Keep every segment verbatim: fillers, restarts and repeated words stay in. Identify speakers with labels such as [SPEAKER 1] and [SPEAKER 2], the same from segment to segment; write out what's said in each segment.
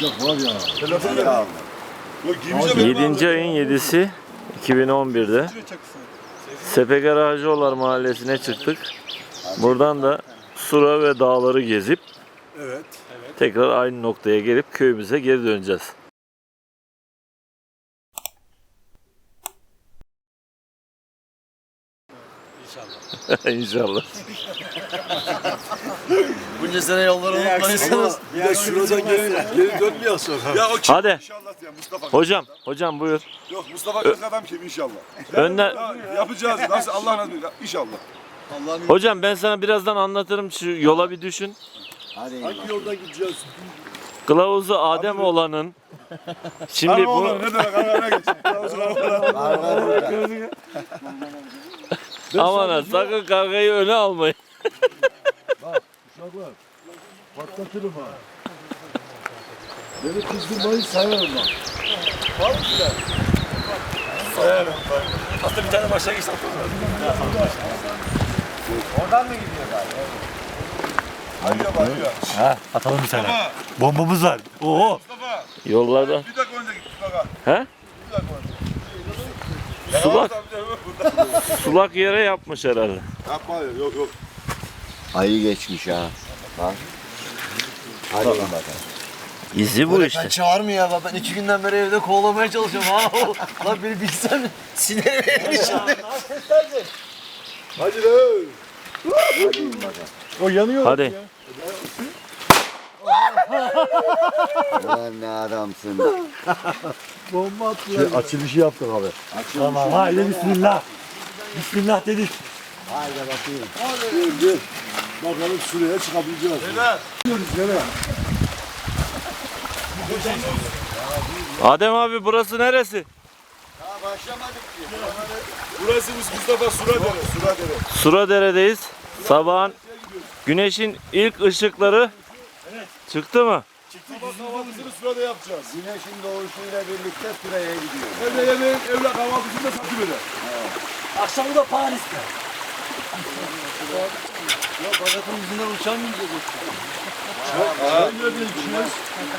[SPEAKER 1] uçak var ya.
[SPEAKER 2] Telefon ya.
[SPEAKER 3] yedinci ayın yedisi iki bin on bir'de Sepeker Hacıoğullar Mahallesi'ne çıktık. Buradan da Sura ve dağları gezip
[SPEAKER 2] Evet.
[SPEAKER 3] tekrar aynı noktaya gelip köyümüze geri döneceğiz. İnşallah. İnşallah.
[SPEAKER 4] Bunca sene yolları unutmayısınız.
[SPEAKER 2] Bir de şuradan geri, geri dönmüyor sonra. Ya o kim?
[SPEAKER 3] Hadi.
[SPEAKER 2] İnşallah ya Mustafa.
[SPEAKER 3] Hocam, hocam buyur.
[SPEAKER 2] Yok Mustafa kırk adam kim inşallah.
[SPEAKER 3] Önden
[SPEAKER 2] Ya, yapacağız. Nasıl Allah nasip eder. İnşallah.
[SPEAKER 3] hocam ben sana birazdan anlatırım, şu yola bir düşün.
[SPEAKER 1] Hadi.
[SPEAKER 2] Hangi yoldan gideceğiz?
[SPEAKER 3] Kılavuzu Adem olanın şimdi bu
[SPEAKER 2] Ne demek Ankara'ya geç.
[SPEAKER 3] aman ha, sakın kavgayı öne almayın.
[SPEAKER 1] Uşaklar. Patlatırım ha. Beni kızdırmayı sayarım bak.
[SPEAKER 2] Sayarım.
[SPEAKER 4] Hatta bir tane başa geçtim.
[SPEAKER 1] Oradan mı gidiyor galiba?
[SPEAKER 2] Hadi bakıyor.
[SPEAKER 4] Ha, atalım bir tane. Bombamız var. Oo.
[SPEAKER 2] Mustafa.
[SPEAKER 3] Yollarda.
[SPEAKER 2] Bir dakika önce git Mustafa.
[SPEAKER 3] He?
[SPEAKER 2] Bir dakika önce.
[SPEAKER 3] Sulak,
[SPEAKER 2] Burada.
[SPEAKER 3] sulak yere yapmış herhalde.
[SPEAKER 2] Yapma ya. Yok yok.
[SPEAKER 1] Ayı geçmiş ha. Bak. Hadi bakalım.
[SPEAKER 3] İzi bu işte.
[SPEAKER 4] Çağır mı ya? Ben iki günden beri evde kovalamaya çalışıyorum ha. Lan beni bilsen sinerim evin içinde.
[SPEAKER 2] Hadi lan.
[SPEAKER 1] O yanıyor.
[SPEAKER 3] Hadi.
[SPEAKER 1] Lan ne adamsın. Bomba attılar. Şey, açılışı yaptık abi.
[SPEAKER 4] Tamam haydi bismillah. Bismillah dedik.
[SPEAKER 1] Haydi bakayım.
[SPEAKER 2] Dur dur. Bakalım şuraya çıkabileceğiz. Neden? Gidiyoruz nereye?
[SPEAKER 3] Adem abi burası neresi?
[SPEAKER 1] Daha başlamadık ki.
[SPEAKER 2] Burası Mustafa Suradere. Suradere.
[SPEAKER 3] Suradere'deyiz. Sabahın güneşin ilk ışıkları çıktı mı?
[SPEAKER 2] Sabah kahvaltısını Surada yapacağız.
[SPEAKER 1] Güneşin doğuşuyla birlikte sıraya gidiyor.
[SPEAKER 2] Evde yemeğin, evde kahvaltısını da satı böyle.
[SPEAKER 4] Akşamı da Paris'te. Ya Bagat'ın yüzünden uçan mı yiyecek?
[SPEAKER 2] Ben nerede içeceğiz?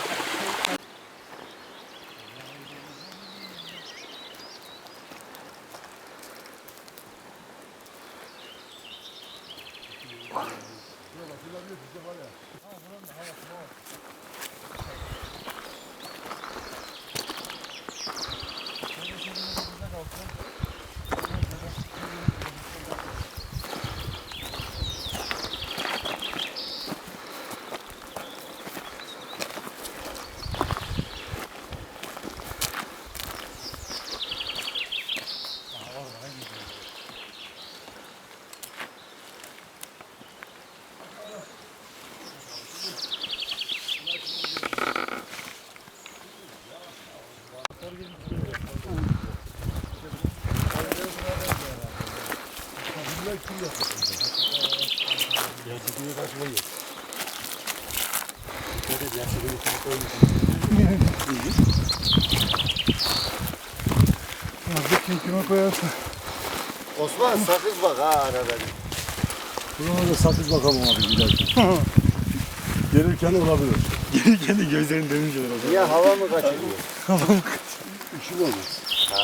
[SPEAKER 1] Kime koyarsın? Osman sakız bak ha arada. Buna da sakız bakalım abi giderken.
[SPEAKER 2] Gelirken olabilir.
[SPEAKER 4] Gelirken de gözlerini dönünce o
[SPEAKER 1] Niye hava mı kaçırıyor?
[SPEAKER 2] İşim olmaz.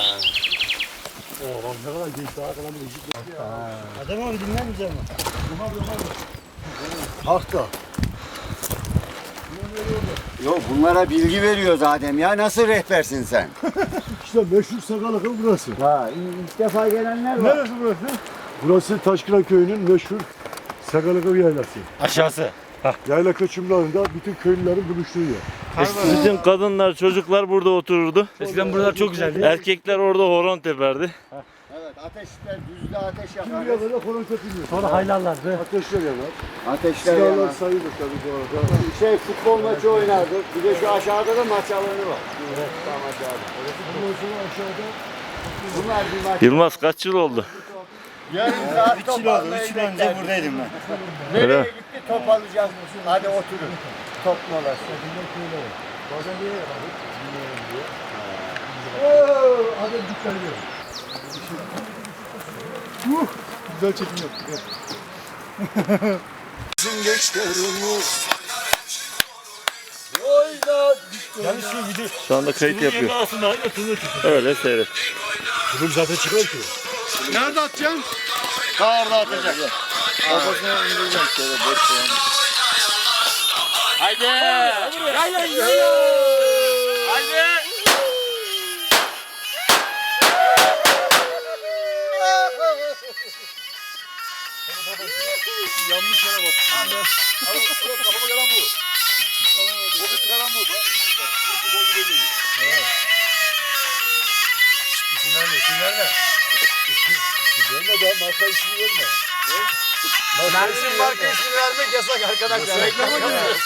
[SPEAKER 4] Oo ne kadar geçti arkadan bir ışık yok. Adem abi dinlemeyeceğim mi?
[SPEAKER 1] Hakta. Yok bunlara bilgi veriyor zaten ya nasıl rehbersin sen?
[SPEAKER 2] İşte meşhur Sakalık'ın burası.
[SPEAKER 1] Ha ilk defa gelenler var.
[SPEAKER 2] Neresi burası? Burası Taşkıran Köyü'nün meşhur Sakalık'ın yaylası.
[SPEAKER 4] Aşağısı.
[SPEAKER 2] Yayla kaçımlarında bütün köylülerin buluştuğu yer.
[SPEAKER 3] Bütün kadınlar, çocuklar burada otururdu.
[SPEAKER 4] Eskiden buralar çok güzeldi.
[SPEAKER 3] Erkekler orada horon teperdi.
[SPEAKER 1] Evet ateşler düzde ateş yakar.
[SPEAKER 2] Şimdiye kadar koron tepiliyor.
[SPEAKER 4] Sonra haylarlardı.
[SPEAKER 2] Ateşler yanar.
[SPEAKER 1] Ateşler
[SPEAKER 2] Silahlar
[SPEAKER 1] yanar.
[SPEAKER 2] sayılır tabii bu arada.
[SPEAKER 1] Şey futbol maçı oynardık. Bir de şu aşağıda da maç alanı var. Evet. Tam aşağıda.
[SPEAKER 2] Ondan sonra aşağıda
[SPEAKER 1] Bunlar bir maç.
[SPEAKER 3] Yılmaz kaç yıl oldu?
[SPEAKER 1] Yarın saat
[SPEAKER 4] üç yıl oldu. üç yıl önce buradaydım ben.
[SPEAKER 3] Öyle
[SPEAKER 1] Nereye
[SPEAKER 3] mi?
[SPEAKER 1] gitti top alacağız. Hadi oturun. Top molası.
[SPEAKER 2] bazen bir yere yapardık. Bilmiyorum diye. Ooo! Hadi dikkat ediyorum. Uh! Güzel çekim yaptık. Bizim gençlerimiz oyna Yani şu video.
[SPEAKER 3] Şu anda kayıt yapıyor.
[SPEAKER 2] Aslında aynı tuzlu çıkıyor.
[SPEAKER 3] Öyle seyret.
[SPEAKER 2] Bunun zaten çıkıyor ki.
[SPEAKER 1] Nerede atacaksın?
[SPEAKER 4] Ta orada atacak.
[SPEAKER 3] Kafasına indireceğim şöyle boş koyalım.
[SPEAKER 4] Haydi.
[SPEAKER 2] Yay yay yay.
[SPEAKER 4] Haydi.
[SPEAKER 1] Yanlış yere bak. Abi, abi kafama gelen bu. Bu bir çıkaran bu. Bak. Bu gol gibi değil.
[SPEAKER 2] İsim verme, isim verme.
[SPEAKER 1] Verme daha marka ismini verme.
[SPEAKER 4] Mersin'in marka ismini vermek yasak arkadaşlar. Reklama giriyoruz.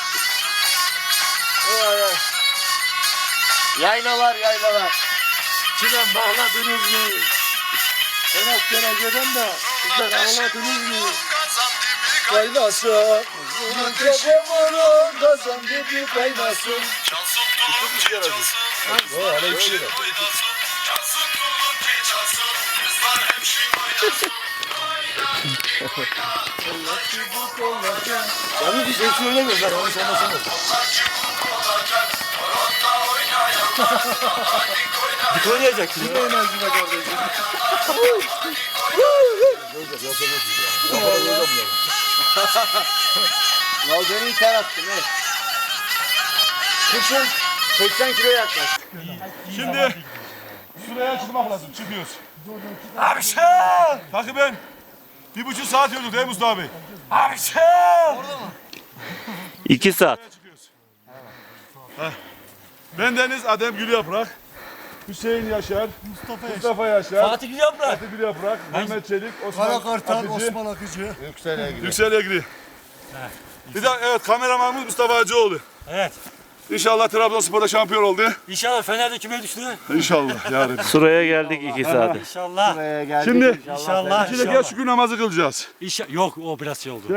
[SPEAKER 4] Yaylalar yaylalar.
[SPEAKER 1] Çimen bağladınız mı? Ben askere giden de sizden ağladınız mı? Kaynasın. Gece vurun kazan gibi kaynasın. O hala bir şey yok.
[SPEAKER 2] Yani bir şey söylemiyoruz. Yani onu sormasın. Bir oynayacak şimdi.
[SPEAKER 1] Ne enerjime kardeşim?
[SPEAKER 4] Ya beni ter attın he. Kışın seksen kilo yaklaş.
[SPEAKER 5] Şimdi şuraya çıkmak lazım. Çıkıyoruz. Abi şey! Takip bir buçuk saat yürüdük değil mi Mustafa abi? Abi şey!
[SPEAKER 3] İki saat.
[SPEAKER 5] Çıkıyoruz. Heh. Ben Deniz, Adem Gül Yaprak, Hüseyin Yaşar, Mustafa, Mustafa Yaşar,
[SPEAKER 2] Fatih Gül Yaprak.
[SPEAKER 5] Fatih Gül Yaprak, Mehmet Çelik, Osman
[SPEAKER 1] Kara Kartal,
[SPEAKER 5] Akıcı,
[SPEAKER 1] Osman Akıcı.
[SPEAKER 4] Yüksel'e gidiyor.
[SPEAKER 5] Yüksel Egri. Bir de evet kameramanımız Mustafa Hacıoğlu.
[SPEAKER 2] Evet.
[SPEAKER 5] İnşallah Trabzonspor'da şampiyon oldu.
[SPEAKER 2] İnşallah Fener'de küme düştü.
[SPEAKER 5] İnşallah yarın.
[SPEAKER 3] Suraya geldik iki saate.
[SPEAKER 2] İnşallah.
[SPEAKER 4] Buraya geldik.
[SPEAKER 5] Şimdi
[SPEAKER 2] İnşallah.
[SPEAKER 5] şimdi gel şükür namazı kılacağız.
[SPEAKER 2] İnşallah. Yok o biraz şey oldu.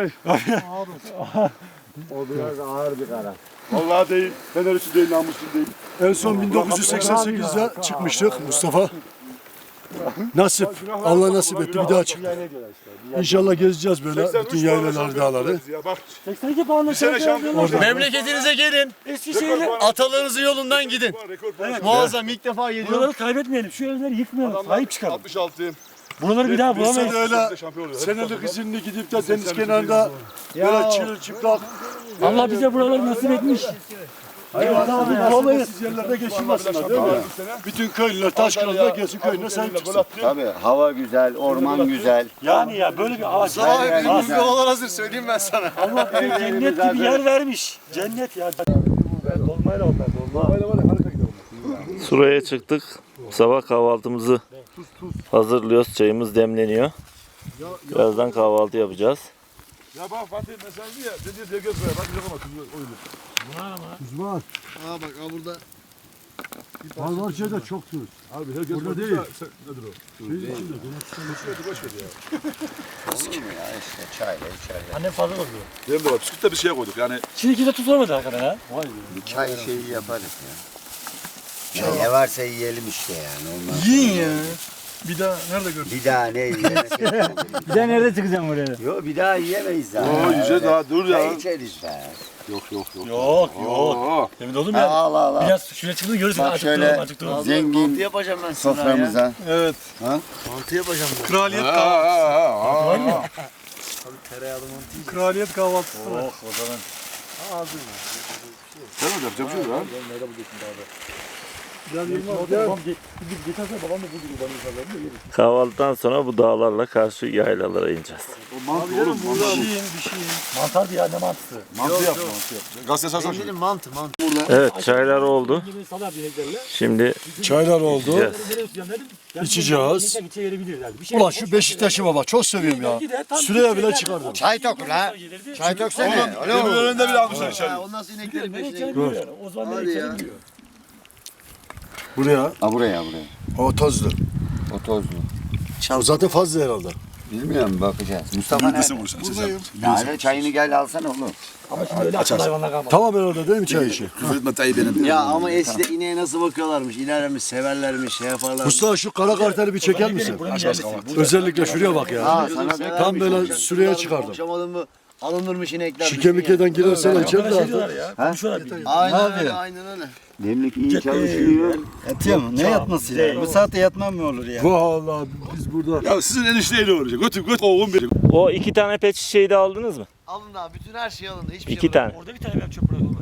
[SPEAKER 4] O biraz ağır bir karar.
[SPEAKER 5] Vallahi değil, Fener için değil, namus için değil.
[SPEAKER 1] En son bin dokuz yüz seksen sekizde çıkmıştık Mustafa. Nasip. Allah nasip etti bir daha çıktık. İnşallah gezeceğiz böyle bütün yaylalar, dağları.
[SPEAKER 5] Ya bak,
[SPEAKER 2] seksen iki puanla
[SPEAKER 5] bir sene şampiyon olduk.
[SPEAKER 4] Memleketinize gelin.
[SPEAKER 2] Eskişehir'le
[SPEAKER 4] Atalarınızın yolundan gidin.
[SPEAKER 5] Rekor puan.
[SPEAKER 4] Muazzam ilk defa geliyorum.
[SPEAKER 2] buraları kaybetmeyelim. Şu evleri yıkmayalım. Sahip çıkalım.
[SPEAKER 5] altmış altı.
[SPEAKER 2] Buraları bir daha
[SPEAKER 5] Biz
[SPEAKER 2] bulamayız.
[SPEAKER 5] sene
[SPEAKER 1] öyle
[SPEAKER 5] şampiyon oluyoruz.
[SPEAKER 1] Senelik izinli gidip de deniz kenarında böyle çırıl çıplak
[SPEAKER 2] Allah bize buraları nasip etmiş.
[SPEAKER 1] bulamayız. Yerlerde geçirmesinler değil mi? Bütün köylüler Taşkırı'da gelsin köyüne sahip çıksın.
[SPEAKER 6] Tabii hava güzel, orman güzel.
[SPEAKER 2] Yani ya böyle bir ağaç.
[SPEAKER 6] Güzel.
[SPEAKER 4] Yollar hazır söyleyeyim ben sana.
[SPEAKER 2] Allah bize cennet gibi yer vermiş. Cennet ya.
[SPEAKER 3] Suraya çıktık. Sabah kahvaltımızı hazırlıyoruz. Çayımız demleniyor. Birazdan kahvaltı yapacağız.
[SPEAKER 5] Ya bak Fatih mesela diye dedi diye göz ver. Bak yok ama tuzu oyunu.
[SPEAKER 1] Tuz var.
[SPEAKER 4] Aa bak aa burada.
[SPEAKER 1] Var var şeyde çok tuz.
[SPEAKER 5] Abi herkes
[SPEAKER 1] Burada
[SPEAKER 5] bakıyor
[SPEAKER 1] değil.
[SPEAKER 5] da sen- nedir o?
[SPEAKER 1] Şeyin içinde.
[SPEAKER 5] Boş ver ya.
[SPEAKER 6] Olur mu ya işte çayla içerler.
[SPEAKER 2] Annem fazla oluyor.
[SPEAKER 5] Benim de var. Bisküvitte bir şeye koyduk yani.
[SPEAKER 2] Şimdi ikide tuz olmadı hakikaten ha.
[SPEAKER 6] Çay şeyi yaparız ya. Ya ne varsa yiyelim işte yani. Ondan
[SPEAKER 1] Yiyin ya. Bir daha nerede gördün?
[SPEAKER 6] bir daha ne yiyelim?
[SPEAKER 2] Bir de nerede çıkacağım oraya?
[SPEAKER 6] Yok bir daha yiyemeyiz daha.
[SPEAKER 5] Oo yiyeceğiz daha dur ya.
[SPEAKER 6] Çay içeriz be.
[SPEAKER 5] Yok yok yok.
[SPEAKER 2] Yok yok.
[SPEAKER 5] Oo.
[SPEAKER 2] Emin oldum
[SPEAKER 6] Ha,
[SPEAKER 2] ya.
[SPEAKER 6] al al al.
[SPEAKER 2] Biraz şuraya çıktığını görürsün.
[SPEAKER 6] Bak
[SPEAKER 2] Acıktım
[SPEAKER 6] şöyle
[SPEAKER 2] acıktım.
[SPEAKER 6] zengin
[SPEAKER 4] yapacağım ben sana ya.
[SPEAKER 6] soframıza.
[SPEAKER 1] Evet.
[SPEAKER 4] Mantı yapacağım ben.
[SPEAKER 1] Kraliyet
[SPEAKER 5] Ha,
[SPEAKER 1] kahvaltısı.
[SPEAKER 5] ha, ha, ha.
[SPEAKER 4] Tereyağlı mantı.
[SPEAKER 1] Kraliyet kahvaltısı var.
[SPEAKER 5] Sen mi yapacak bir şey yok ha?
[SPEAKER 3] Kahvaltıdan sonra bu dağlarla karşı yaylalara ineceğiz.
[SPEAKER 5] O mantı oğlum.
[SPEAKER 1] Bir
[SPEAKER 5] Mantı,
[SPEAKER 1] şeyin bir şeyin.
[SPEAKER 2] Mantar ya ne mantısı.
[SPEAKER 5] mantı yap mantı yap. Gazete sarsan şunu.
[SPEAKER 4] Benim mantı mantı.
[SPEAKER 3] Evet, çaylar oldu. Şimdi
[SPEAKER 1] Çaylar oldu.
[SPEAKER 3] yiyeceğiz.
[SPEAKER 1] İçeceğiz. Ulan şu Beşiktaş'ıma bak çok seviyorum ya. Süreye bile çıkardım.
[SPEAKER 6] Çay tok la. Çay toksana.
[SPEAKER 5] Demin önünde bile almışlar içeri.
[SPEAKER 4] Ondan sonra ineklerin peşine
[SPEAKER 2] O zaman
[SPEAKER 4] Hadi
[SPEAKER 2] nereye
[SPEAKER 4] ya.
[SPEAKER 2] içelim diyor.
[SPEAKER 1] Buraya.
[SPEAKER 6] Ha buraya buraya.
[SPEAKER 1] O tozlu.
[SPEAKER 6] O tozlu.
[SPEAKER 1] O zaten fazla herhalde.
[SPEAKER 6] Bilmiyorum bakacağız. Mustafa
[SPEAKER 5] Büyük
[SPEAKER 6] nerede?
[SPEAKER 5] misin bunu sen? Buradayım.
[SPEAKER 6] Yani çayını gel alsana oğlum.
[SPEAKER 2] Ama şimdi öyle akıl hayvanlar kalmadı.
[SPEAKER 1] Tamam herhalde değil mi çay işi?
[SPEAKER 5] Küfür etme Tayyip benim.
[SPEAKER 4] Ya ama eskide ineğe nasıl bakıyorlarmış, ilerlemiş, severlermiş, şey yaparlarmış.
[SPEAKER 1] Mustafa şu kara karteli bir çeker misin?
[SPEAKER 2] Buranın yerlisi.
[SPEAKER 1] Özellikle şuraya bak ya.
[SPEAKER 6] Ha sana da
[SPEAKER 1] Tam böyle süreye çıkardım.
[SPEAKER 4] Akşam adamı Alınırmış inekler.
[SPEAKER 1] Şike mikeden girersen açar da.
[SPEAKER 4] Aynen öyle, aynen öyle.
[SPEAKER 6] Demlik iyi çalışıyor.
[SPEAKER 2] Yatıyor mu? Ne yatması ya? Bu saatte yatmam mı olur ya?
[SPEAKER 1] Vallahi biz burada.
[SPEAKER 5] Ya sizin enişteyle uğraşacak. Götür götür oğlum benim.
[SPEAKER 3] O iki tane pet şişeyi de aldınız mı?
[SPEAKER 4] Alın abi, bütün her şey alındı. Hiçbir
[SPEAKER 3] İki
[SPEAKER 4] şey
[SPEAKER 3] tane.
[SPEAKER 2] Orada bir tane ben çöp bırakıyorum.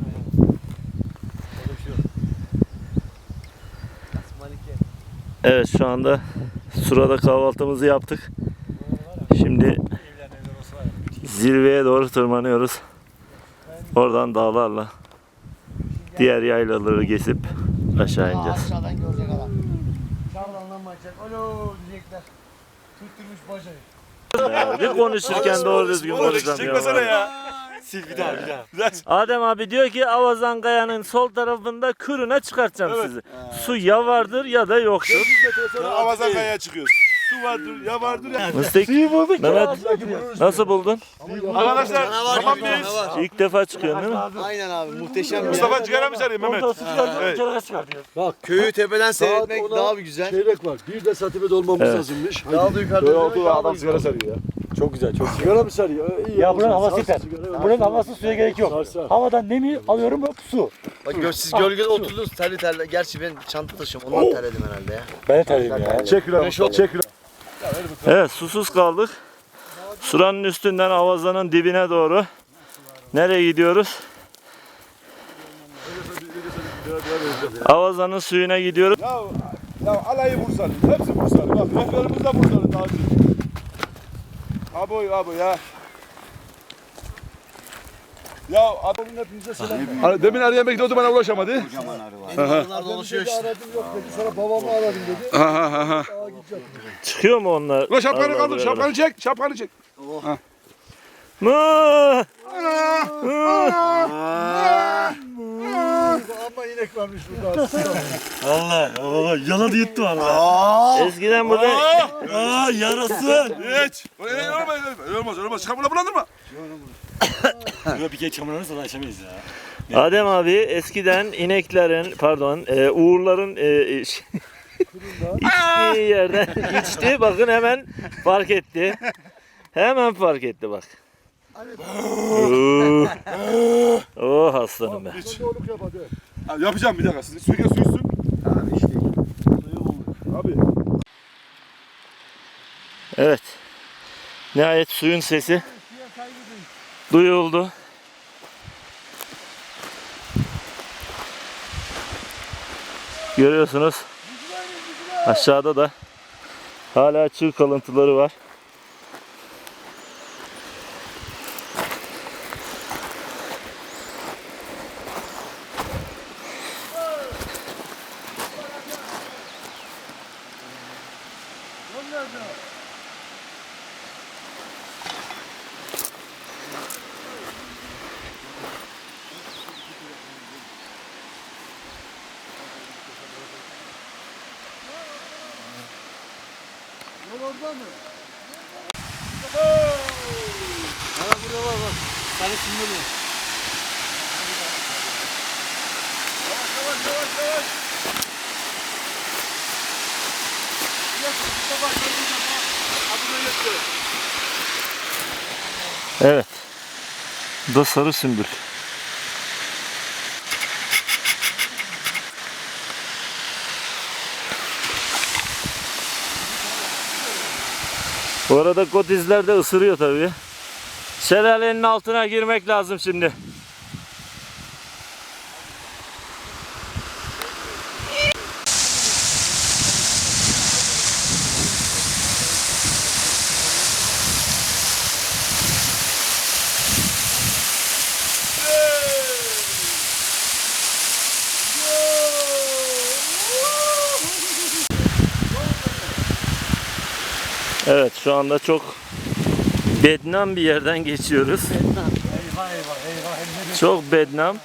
[SPEAKER 3] Evet, şu anda Sura'da kahvaltımızı yaptık. Şimdi zirveye doğru tırmanıyoruz. Oradan dağlarla diğer yaylaları geçip aşağı ineceğiz.
[SPEAKER 4] Aşağıdan görecek adam. Şuradan lan bakacak. Alo diyecekler. Tutturmuş bacayı.
[SPEAKER 3] Bir konuşurken doğru düzgün konuşamıyorum.
[SPEAKER 5] Çekmesene ya.
[SPEAKER 2] Sil bir daha bir daha.
[SPEAKER 3] Adem abi diyor ki Avazan Kaya'nın sol tarafında kürüne çıkartacağım sizi. Su ya vardır ya da yoktur.
[SPEAKER 5] Avazan kayaya çıkıyoruz. Su vardır ya vardır ya.
[SPEAKER 3] Mıstık, Mehmet nasıl buldun?
[SPEAKER 5] Arkadaşlar tamam mıyız?
[SPEAKER 3] İlk defa çıkıyorsun değil mi?
[SPEAKER 4] Aynen abi, muhteşem bir yer.
[SPEAKER 5] Mustafa sigara mı sarıyor Mehmet? Evet.
[SPEAKER 1] Bak
[SPEAKER 4] Köyü tepeden
[SPEAKER 1] saat
[SPEAKER 4] seyretmek
[SPEAKER 1] ona
[SPEAKER 4] daha bir güzel.
[SPEAKER 1] çeyrek var. Bir de saatime dolmamız
[SPEAKER 3] Evet.
[SPEAKER 1] lazımmış.
[SPEAKER 4] Daha da yukarıda.
[SPEAKER 5] Oldu adam sigara sarıyor ya.
[SPEAKER 2] Çok güzel çok.
[SPEAKER 1] Sigara mı sarıyor? İyi
[SPEAKER 2] Ya
[SPEAKER 1] olsun.
[SPEAKER 2] buranın havası
[SPEAKER 1] Sarsın
[SPEAKER 2] yeter.
[SPEAKER 1] sigara.
[SPEAKER 2] Buranın havası suya gerek yok.
[SPEAKER 1] Sar, sar.
[SPEAKER 2] Havadan nemi alıyorum hop su.
[SPEAKER 4] Bak gör, siz gölgede oturdunuz terli terli. Gerçi ben çanta taşıyorum, ondan terledim herhalde ya.
[SPEAKER 2] Ben de terliyim ya.
[SPEAKER 5] Çek lan. Çek lan.
[SPEAKER 3] Evet, susuz kaldık. Suranın üstünden Avazan'ın dibine doğru. Nereye gidiyoruz? Avazan'ın suyuna gidiyoruz.
[SPEAKER 5] Ya, ya alayı Bursalı. Hepsi Bursalı. Bak rehberimiz de Bursalı. Daha önce. Abi abi ya. Ya adamın hepinize selam. Hani demin arayan bekliyordu bana ulaşamadı.
[SPEAKER 6] Kocaman arı var.
[SPEAKER 4] Onlar dolaşıyor işte.
[SPEAKER 1] Aradım yok dedi. Sonra babamı aradım dedi.
[SPEAKER 5] Ha ha ha.
[SPEAKER 1] Aa gideceğim.
[SPEAKER 3] Çıkıyor mu onlar?
[SPEAKER 5] Ulan şapkanı
[SPEAKER 3] Allah
[SPEAKER 5] kaldır.
[SPEAKER 3] Allah.
[SPEAKER 5] Şapkanı çek. Şapkanı çek.
[SPEAKER 3] Mı?
[SPEAKER 1] Ama inek varmış burada.
[SPEAKER 2] Allah Allah yaladı yuttu valla.
[SPEAKER 3] Eskiden burada
[SPEAKER 2] Aa yarası.
[SPEAKER 5] Geç. Öyle olmaz. Öyle olmaz. Öyle olmaz. Şapkanı bulandırma.
[SPEAKER 2] Böyle bir kere çamurlanırsa da açamayız ya.
[SPEAKER 3] Adem abi eskiden ineklerin pardon e, uğurların e, iç- içtiği yerden içti. Bakın hemen fark etti. Hemen fark etti bak. Oo. Oh aslanım be.
[SPEAKER 1] Doğruluk yap hadi.
[SPEAKER 5] Ha, yapacağım bir dakika. Siz suyu su içsin.
[SPEAKER 6] Abi işte.
[SPEAKER 5] Abi.
[SPEAKER 3] Evet. Nihayet suyun sesi duyuldu. Görüyorsunuz. Aşağıda da hala çığ kalıntıları var. Evet. Bu da sarı sümbül. Bu arada kotizler de ısırıyor tabii. Şelalenin altına girmek lazım şimdi. Evet, şu anda çok bednam bir yerden geçiyoruz.
[SPEAKER 2] Eyvah eyvah eyvah.
[SPEAKER 3] Çok bednam.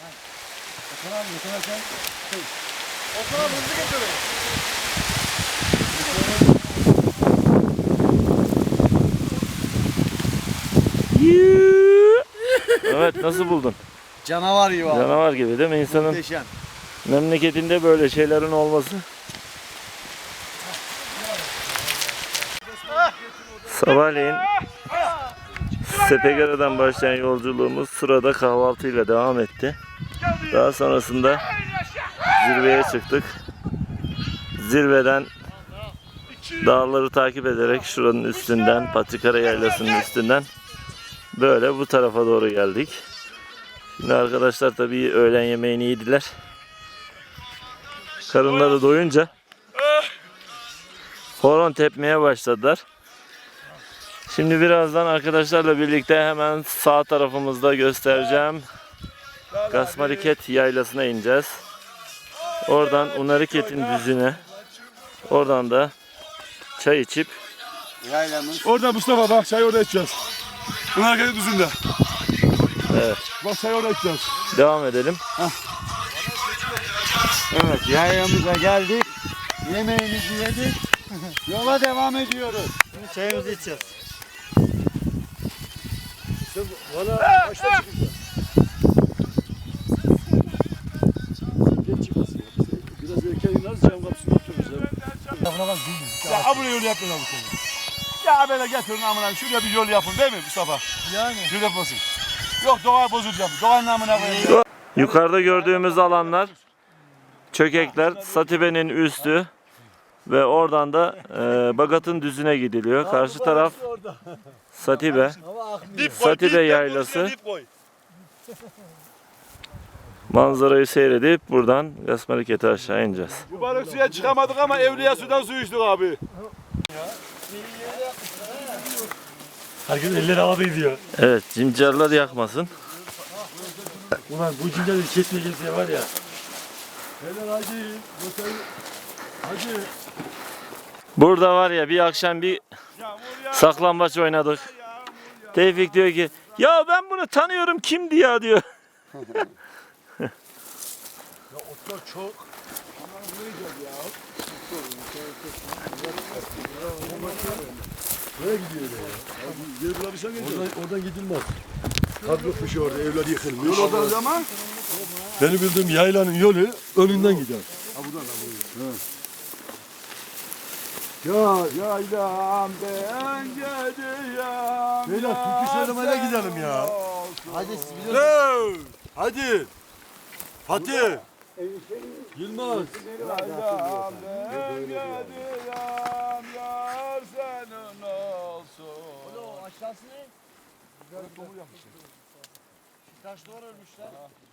[SPEAKER 3] Evet, nasıl buldun?
[SPEAKER 4] Canavar gibi abi.
[SPEAKER 3] Canavar gibi değil mi? İnsanın
[SPEAKER 4] Muhteşem.
[SPEAKER 3] memleketinde böyle şeylerin olması. Sabahleyin Sepegara'dan başlayan yolculuğumuz Sura'da kahvaltıyla devam etti. Daha sonrasında zirveye çıktık. Zirveden dağları takip ederek şuranın üstünden, Patrikara Yaylası'nın üstünden böyle bu tarafa doğru geldik. Şimdi arkadaşlar tabii öğlen yemeğini yediler. Karınları doyunca horon tepmeye başladılar. Şimdi birazdan arkadaşlarla birlikte hemen sağ tarafımızda göstereceğim Gasmaliket Yaylası'na ineceğiz. Oradan Unariket'in düzüne, oradan da çay içip
[SPEAKER 6] Yaylamız.
[SPEAKER 5] Orada Mustafa bak çay orada içeceğiz. Bunun hareketi düzünde.
[SPEAKER 3] Evet.
[SPEAKER 5] Bak çay orada içeceğiz.
[SPEAKER 3] devam edelim.
[SPEAKER 6] Evet yaylamıza geldik. Yemeğimizi yedik. Yola devam ediyoruz.
[SPEAKER 4] Şimdi çayımızı içeceğiz.
[SPEAKER 1] Valla kaçta çıkacağız? Geç çıkmasın. Biraz erken ineriz, cam kapısını otururuz.
[SPEAKER 4] Lafına bak bildim.
[SPEAKER 5] Ya abone yol yapmıyorlar bu sene. Ya böyle getirin amına şuraya bir yol yapın değil mi Mustafa?
[SPEAKER 4] Yani.
[SPEAKER 5] Yol yapmasın. Yok doğayı bozacağım. Doğanın namına koyayım.
[SPEAKER 3] Yukarıda gördüğümüz alanlar Çökekler, Satibe'nin üstü ve oradan da e, Bagat'ın düzüne gidiliyor. Karşı taraf Satibe. Satibe Yaylası. Manzarayı seyredip buradan Gasmaliket'e aşağı ineceğiz.
[SPEAKER 5] Bu balık suya çıkamadık ama Evliya sudan su içtik abi.
[SPEAKER 2] Herkes elleri havada diyor.
[SPEAKER 3] Evet, cimcarlar yakmasın.
[SPEAKER 2] Ulan bu cinleri kesmeyeceğiz diye var ya.
[SPEAKER 1] Helal hacı. Rotayı. Hacı.
[SPEAKER 3] Burada var ya bir akşam bir saklambaç oynadık. Tevfik diyor ki ya ben bunu tanıyorum kimdi ya diyor.
[SPEAKER 1] Otlar çok. Nereye gidiyor ya? Yer bulabilsen oradan, oradan gidilmez. Kadrokmuş orada, evler yıkılmış.
[SPEAKER 5] Yol oradan zaman.
[SPEAKER 1] Benim bildiğim yaylanın yolu önünden gider. Ha buradan da buradan. Ya
[SPEAKER 5] Yaylam ben gidiyorum.
[SPEAKER 1] beyler türkü söylemeye gidelim ya.
[SPEAKER 4] Hadi siz biliyorsunuz.
[SPEAKER 1] Hadi. Fatih. Yılmaz.
[SPEAKER 5] Yaylam ben gidiyorum. Yar senin olsun.
[SPEAKER 4] O aşağısı ne? Taş duvar örmüşler.